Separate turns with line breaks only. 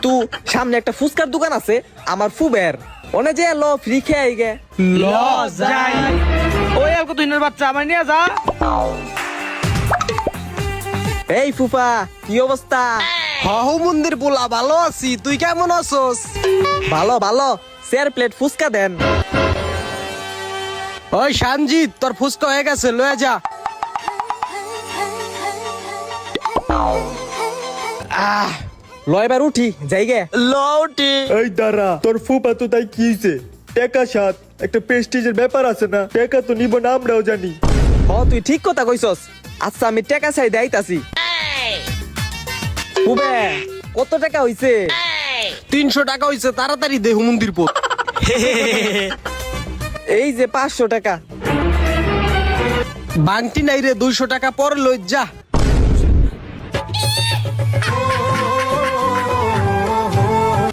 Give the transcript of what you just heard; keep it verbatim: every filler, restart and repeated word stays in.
তু সামনে একটা ফুচকার দোকান আছে আমার ফুবের ওনে যে ল ফ্রি খেয়ে আই গে
ল যাই ওই আর কত দিনের বাচ্চা আমার নিয়ে যা।
এই ফুফা কি অবস্থা?
হহু মন্দির পোলা ভালো আছি, তুই কেমন আছোস?
ভালো ভালো, চার প্লেট ফুচকা দেন।
ওই সানজিৎ, তোর ফুচকা হয়ে গেছে, লয়ে যা।
আহ লয় বার উঠি যাই গে।
লউটি
এই দাঁড়া, তোর ফুপা তো তাই কি হইছে? টাকা সাত, একটা প্রেস্টিজের ব্যাপার আছে না? টাকা তো নিব না, আমরাও জানি।
হ তুই ঠিক কথা কইছস। আচ্ছা আমি টাকা চাই দেইতাছি। ফুবে কত টাকা হইছে?
তিনশো টাকা হইছে, তাড়াতাড়ি দে হুমন্দির পোত।
এই যে পাঁচশো টাকা।
বাংটি নাই রে, দুইশো টাকা পর লই যা।